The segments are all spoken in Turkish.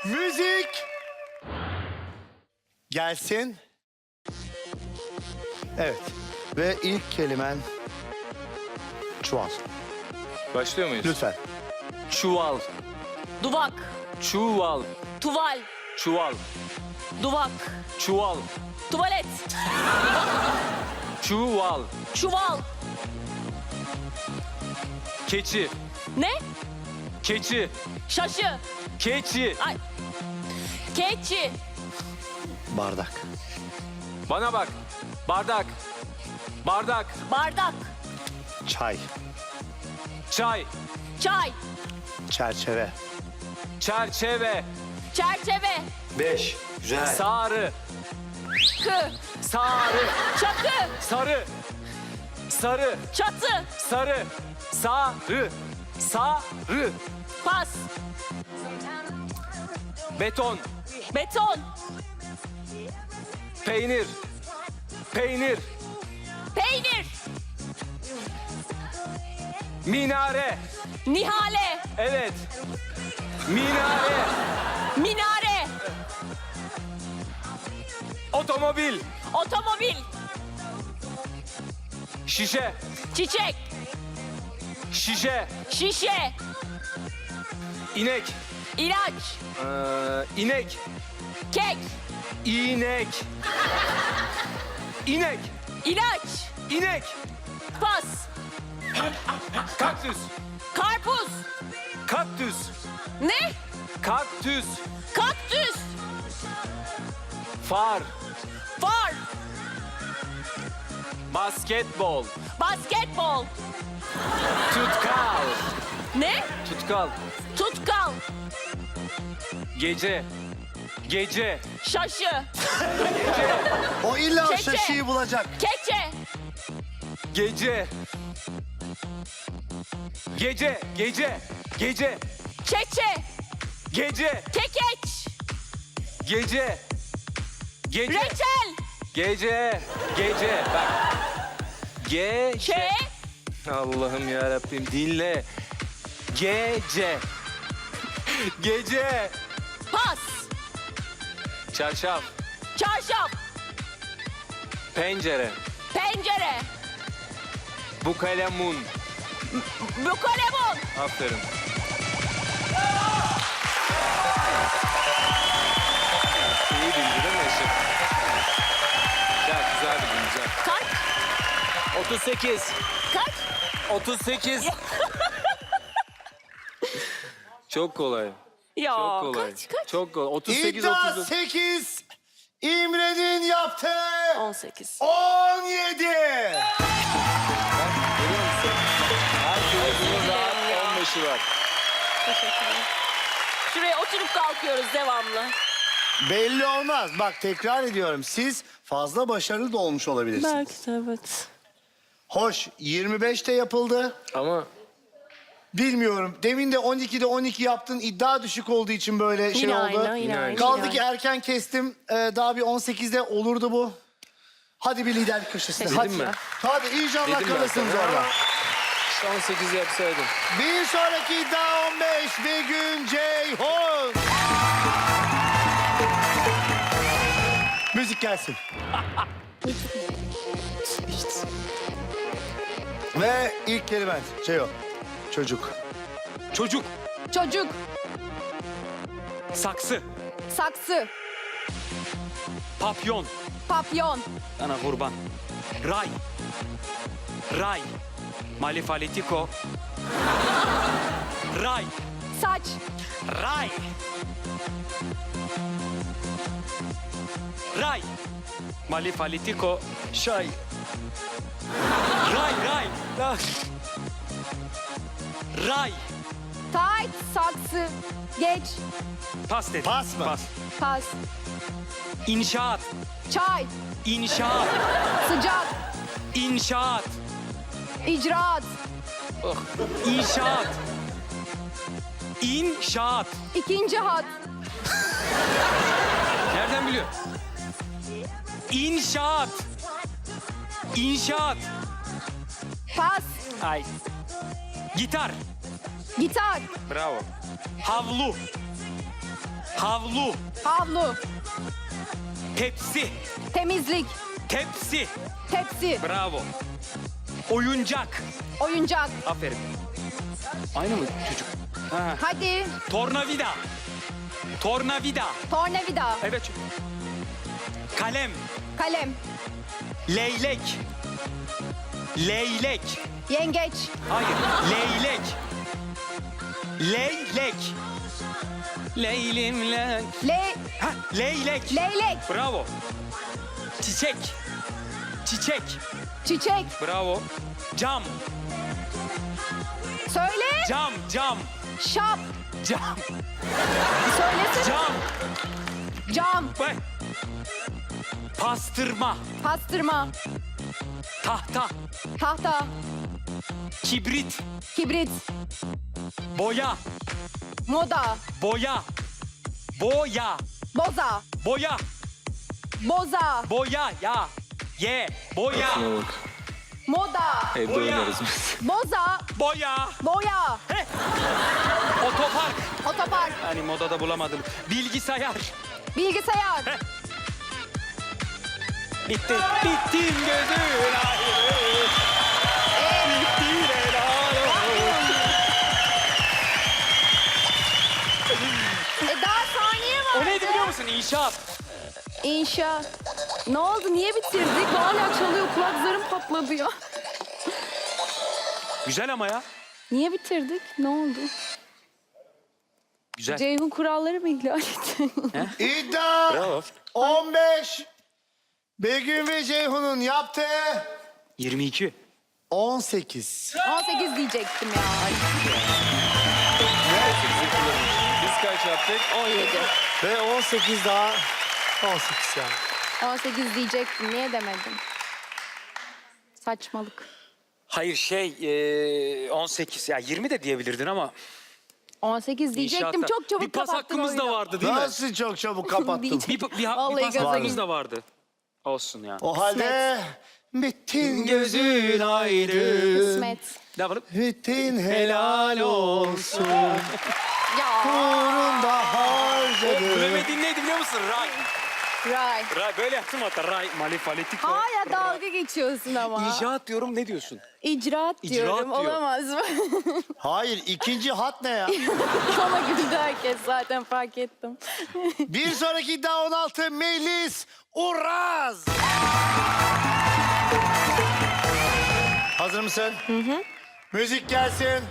Müzik gelsin. Evet. Ve ilk kelimen çuval. Başlıyor muyuz? Lütfen. Çuval, Duvak, çuval, tuval, çuval, duvak, çuval, tuvalet, çuval, çuval. keçi, Ne? keçi, Şaşı, keçi. ay, keçi, Bardak. Bana bak. Bardak, bardak, bardak, Çay. çay, çay, Çerçeve. çerçeve, çerçeve, 5. Güzel. sarı, kı, sarı, çakı, sarı, sarı, çatı, sarı, sarı, sarı, pas, beton, beton, peynir, peynir, peynir, minare, nihale, evet, minare, minare, otomobil, otomobil, şişe, çiçek, şişe, şişe, inek, ilaç, inek, kek, inek, inek, ilaç, inek, pas, kaktüs, karpuz, kaktüs, ne? kaktüs, Kaktüs, far, far, basketbol, basketbol, tutkal, ne? tutkal, Tutkal, gece, gece, şaşı, O illa o Keçe. şaşıyı bulacak. keçe, gece, gece, gece, gece, çeçe, gece, kekeç, gece, gece, reçel, gece, gece, bak, gece, çe, Allah'ım ya Rabbim dinle, gece, gece, pas, çarşaf, çarşaf, pencere, pencere, bukalemun, bukalemon, aferin. İyi bildi değil mi Eşim? Güzel, güzel bildin, güzel. kaç, 38, kaç, 38. Çok kolay. ya Çok kolay. kaç, Çok kolay. 38, İddia 39. 8. İmre'nin yaptığı 18, 17. Görüyor musun? Herkesin rahat 15'i var. teşekkürler. Şuraya oturup kalkıyoruz devamlı. Belli olmaz. Bak tekrar ediyorum. Siz fazla başarılı da olmuş olabilirsiniz. Belki de evet. Hoş 25'te yapıldı. Ama Bilmiyorum. Demin de 12'de 12 yaptın. İddia düşük olduğu için böyle şey Yine oldu. aynı, yine aynı. Kaldı ki erken kestim. Daha bir 18'de olurdu bu. Hadi bir liderlik köşesine. Dedim Hadi. mi? Hadi inşallah Dedim ben kalırsınız sana. orada. işte 18 yapsaydım. Bir sonraki iddia 15. Begüm Ceyhun. Müzik gelsin. Ve ilk kelimen şey o. Çocuk. Çocuk, Çocuk, saksı, saksı, papyon, papyon, Ana kurban. Ray. Ray. Malifalitiko. Ray. saç, Ray. Ray. Malifalitiko. Şay. Ray, ray. Ray. tayt, saksı, geç, Pas dedim. Pas mı? Pas. pas, İnşaat. çay, İnşaat. sıcak, İnşaat. icraat, İnşaat. İnşaat. ikinci hat, nereden biliyor? İnşaat. İnşaat. pas, Ay. Gitar. gitar, Bravo. Havlu. Havlu. Havlu. Tepsi. Temizlik. Tepsi. Tepsi. Bravo. Oyuncak. Oyuncak. Aferin. Aynı mı çocuk? Ha. Hadi. Tornavida. Tornavida. Tornavida. Evet. Kalem. Kalem. Leylek. Leylek. Yengeç. Hayır. Leylek. Leylek. Leylimle. Ha, leylek. Leylek. Bravo. Çiçek. Çiçek. Çiçek. Bravo. Cam. Söyle. Cam. Cam. Şap. Cam. Söylesene. Cam. Cam. Bak. Pastırma. Pastırma. Tahta. Tahta. Kibrit. Kibrit. Boya. Moda. Boya. Boya. Boza. Boya. Boza. Boya. Ya. Ye. Boya. Şuna bak. Moda. Evde Boya. oynarız biz. Boza. Boya. Boya. Otopark. Otopark. Hani modada bulamadım. Bilgisayar. Bilgisayar. Bitti. Bittin gözün ayrı. Bittin helal olsun. Daha saniye var. O neydi biliyor musun? İnşaat. İnşa. Ne oldu? Niye bitirdik? Hala çalıyor. Kulak zarım patladı ya. Güzel ama ya. Niye bitirdik? Ne oldu? Güzel. Ceyhun kuralları mı ihlal etti? İddia Bravo. 15. Begüm ve Ceyhun'un yaptığı 22. 18. 18 diyecektim ya. Biz kaç yaptık? 17. Ve 18 daha 18 yani. 18 diyecektim. Niye demedim? Saçmalık. Hayır 18 ya 20 de diyebilirdin ama 18 diyecektim. inşaatta. Çok çabuk bir pas kapattın hakkımız da oyunu. vardı değil mi? Nasıl çok çabuk kapattım. Diyecek. Bir Vallahi pas gaza hakkımız geldim. da vardı. Olsun ya. O halde bittin Gözün ayrı. Kısmet. Ne yapalım? bittin helal olsun. Ya. Uğrunda harcadım. Bilemediğin neydi biliyor musun? Ray. Ray. Ray böyle yaptım hatta. Ray malifaletik. Hala dalga geçiyorsun ama. İnşaat diyorum ne diyorsun? İcraat diyorum. İcraat diyor. Olamaz mı? Hayır, ikinci hat ne ya? Ona güldü herkes zaten fark ettim. Bir sonraki iddia 16 Melis Uraz. Hazır mısın? Hı hı. Müzik gelsin.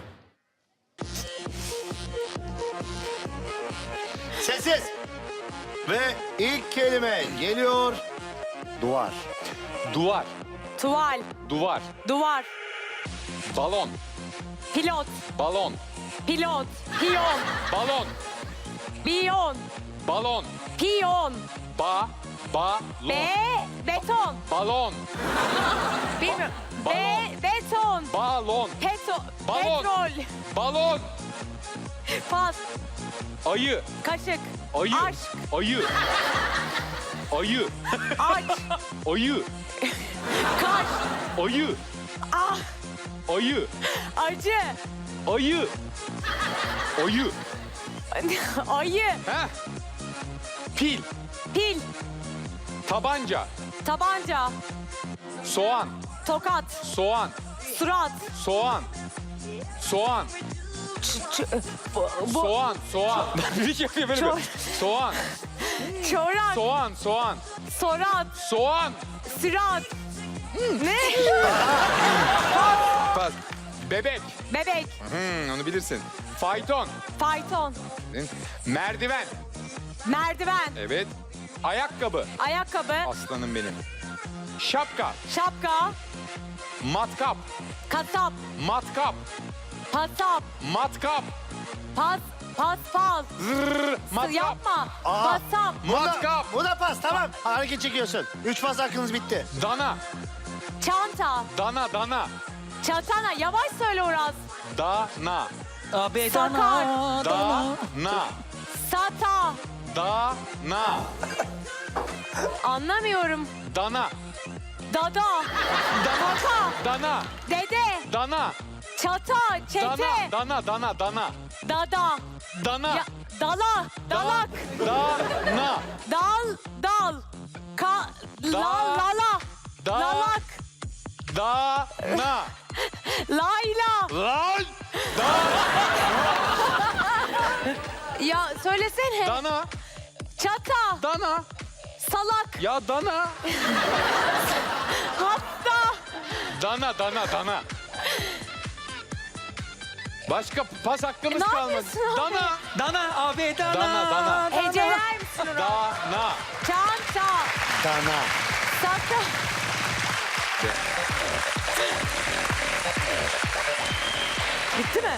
Sessiz. Ve ilk kelime geliyor. Duvar. Duvar. Tuval. Duvar. Duvar. Balon. Pilot. Balon. Pilot. Piyon. Balon. Biyon. Balon. Piyon. Balon. Beton. Balon. Bilmiyorum. Balon. Beton. Balon. Balon. Petrol. Balon. Pas. Ayı. Kaşık. Ayı. Aşk. Ayı. Ayı. Aç. Ayı. Kaş. Ayı. Ah. Ayı. Acı. Ayı. Ayı. Ayı. Heh. Pil. Pil. Tabanca. Tabanca. Soğan. Tokat. Soğan. Surat. Soğan. Soğan. Soğan. Soğan. Bir şey yapıyor böyle Çok- bir. Soğan. Çorak. Soğan. Soğan. Sorat. Soğan. Sürat. Ne? Pas. Bebek. Bebek. Onu bilirsin. Fayton. Fayton. Merdiven. Merdiven. Evet. Ayakkabı. Ayakkabı. Aslanım benim. Şapka. Şapka. Matkap. Kasap. Matkap. Pasap. Matkap. Pas. Zırr. Matkap. Yapma. Aa. Pasap. Matkap. Bu da pas, tamam. Hareket çekiyorsun. 3 pas hakkınız bitti. Dana. Çanta. Dana. Dana. Çantana. Yavaş söyle Uraz. Dana. Sakar. Dana. Sata. Dana. Anlamıyorum. Dana. Dada. Dana. Kaka. Dana. Dede. Dana. Çata. Çete. Dana. Dana. Dana. Dana. Dada. Dana. Ya, Dala. Dalak. Dana. Dal. Lala. Da- Lalak. Dana. Layla. Lan. Ya söylesene. Dana. Çata. Dana. Salak. Ya dana. Hatta. Dana. Başka pas hakkımız Ne kalmadı. yapıyorsun abi? Dana. Dana abi dana. Dana. Heceler misin onu? Dana. Çanta. Dana. Sata. Bitti mi?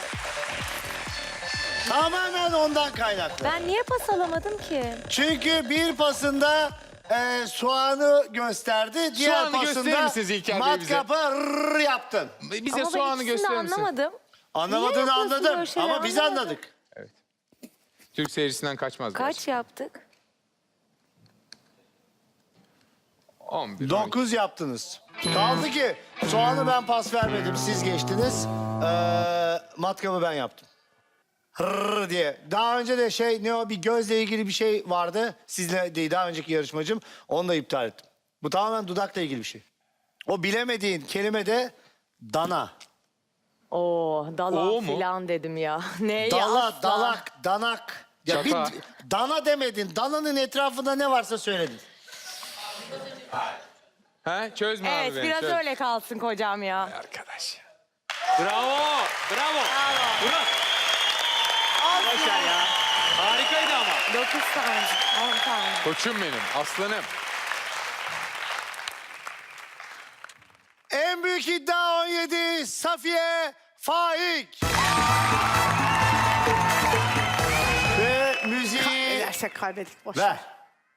Tamamen ondan kaynaklı. Ben niye pas alamadım ki? Çünkü bir pasında soğanı gösterdi. Diğer Soğanı gösterir pasında misiniz İlker Bey bize? matkapı rrr yaptın. Bize Ama soğanı ben ikisini de gösterir misin? anlamadım. Anlamadığını yapıyorsun anladım böyle şeyler? ama biz Anlamadım. anladık. Türk seyircisinden kaçmaz. biraz. Kaç yaptık? 11. 9 yaptınız. Kaldı ki soğanı ben pas vermedim. Siz geçtiniz. Matkabı ben yaptım. Hırr diye. Daha önce de bir gözle ilgili bir şey vardı. Sizle değil, daha önceki yarışmacım. Onu da iptal ettim. Bu tamamen dudakla ilgili bir şey. O bilemediğin kelime de dana. Oo, dala O mu? filan dedim ya. Ne Dala, asla. dalak, danak. Ya Çata. dana demedin. Dananın etrafında ne varsa söyledin. He? Çözme abi Evet beni. biraz çöz. öyle kalsın kocam ya. Arkadaş ya. Bravo. Murat. Başar ya. Harikaydı ama. 9 tane. 10 tane. Koçum benim. Aslanım. En büyük iddia 17 Safiye Faik. Ve müziği Edersek kaybettik boş. ver.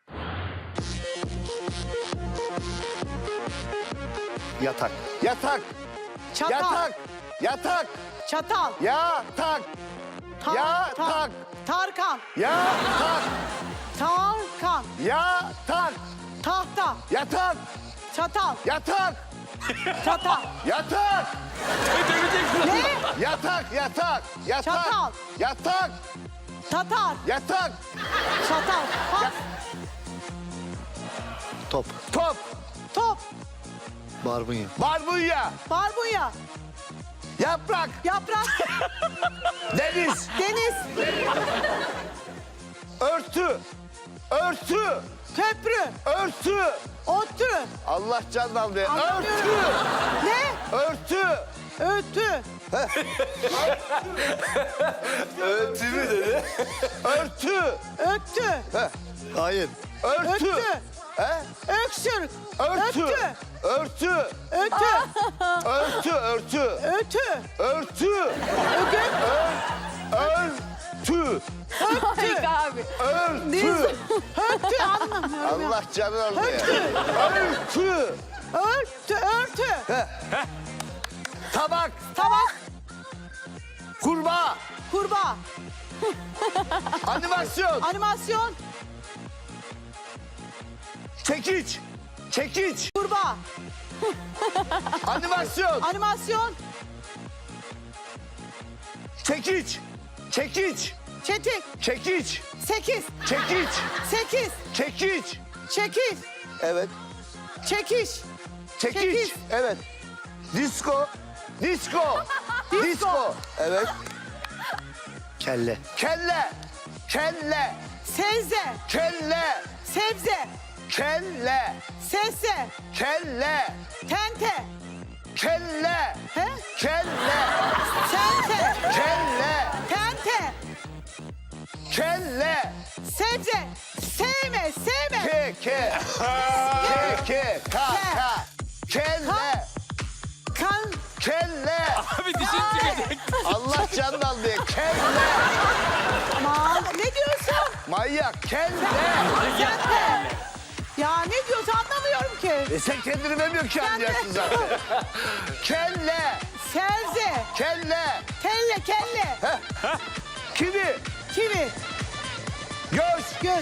Yatak. Yatak, Çatal. yatak, yatak, Çatal. yatak, yatak, Tarkan. yatak, Tarkan. yatak, Tahta. yatak, Çatal. yatak, Çatal. yatak, Ne? yatak, yatak, yatak, Çatal. yatak, Tatar. yatak, Çatal. Pas. Top. top, Top. Barbunya. barbunya, Barbunya. yaprak, Yaprak. deniz, Deniz. örtü, örtü, Köprü. örtü, Ottu. Allah can aldı, örtü, Anlamıyorum. Ne? örtü, Ötü. örtü mü dedi? Örtü, Öttü. Hayır. örtü, Öttü. he? Öksür. Örtü, Öttü. örtü, Ötü. örtü, örtü, Ötü. örtü, Ögün. örtü, Harika abi. örtü. Ötü anlamıyorum ya. Allah canını aldı ya. Örtü, Örtü. Örtü. tabak, Tabak. kurbağa, Kurbağa. animasyon, Animasyon. çekiç, çekiç, Kurbağa. animasyon, Animasyon. çekiç, çekiç, Çetik. çekiç, 8. çekiç, 8. çekiç. Çekiş. Evet, Çekiş. çekiç. Çekiç. Evet. Disko, disko, disko. Evet. Kelle. Kelle, kelle, Sebze. kelle, Sebze. kelle, Sesse. kelle, Tente. kelle, He? kelle, Sente. kelle, Tente. kelle, Sebze. Sevme. Sevme. ka, kelle, Kan. kelle. Abi dişin çıkacak. Allah canını aldı. Kelle, Aman. Ne diyorsun? manyak, kelle. Tente. Ya ne diyorsun anlamıyorum ki. Sen kendini bilmiyorsun ki anlayacaksın zaten. Kelle, Sebze. kelle, Kelle. Kelle. kivi, Kivi. göz, Göz.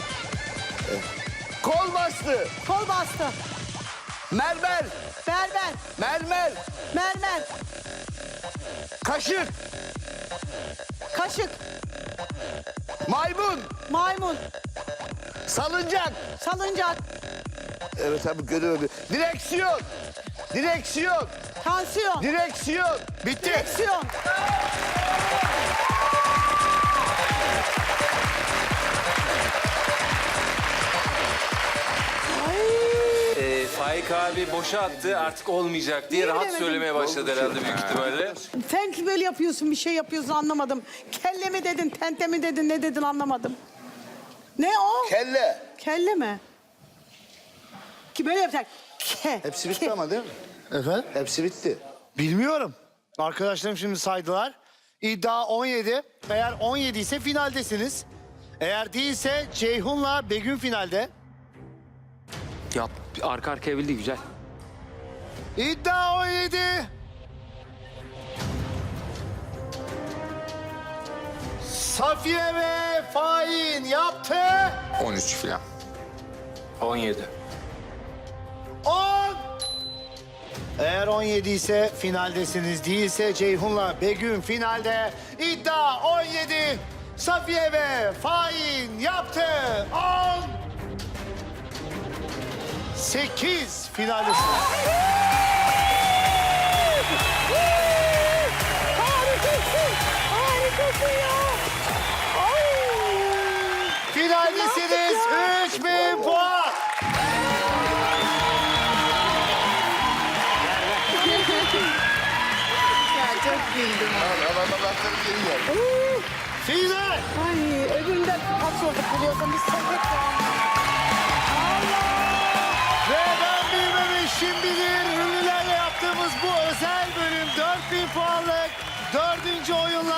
kol bastı, Kol bastı. mermer, Berber. mermer, Mermer. kaşık, Kaşık. Maymun. Maymun. Salıncak. Salıncak. Evet abi görüyorum. Direksiyon. Direksiyon. Tansiyon. Direksiyon. Bitti. Direksiyon. Faik abi boşa attı artık olmayacak diye Niye rahat bilemedim? söylemeye başladı herhalde büyük ihtimalle. Sen böyle yapıyorsun, bir şey yapıyorsun anlamadım. Kelle mi dedin, tente mi dedin, ne dedin anlamadım. Ne o? Kelle. Kelle mi? Ki böyle yapacak. Hepsi bitti ama değil mi? Efendim? Hepsi bitti. Bilmiyorum. Arkadaşlarım şimdi saydılar. İddia 17. Eğer 17 ise finaldesiniz. Eğer değilse Ceyhun'la Begüm finalde. Yap arka arkaya bildi güzel. İddia 17. Safiye ve Fahin yaptı. 13 falan. 17. 10. Eğer 17 ise finaldesiniz, değilse Ceyhun'la Begüm finalde. İddia 17. Safiye ve Fahin yaptı. 10. 8 finaldesiniz. Harikasın. Harikasın ya. Finaldesiniz. 3000 puan. Final. Ay öbüründen kaç olduk biliyorsun biz sepet Ve ben bilmemişim bilir. Ünlülerle yaptığımız bu özel bölüm 4000 puanlık 4. oyunla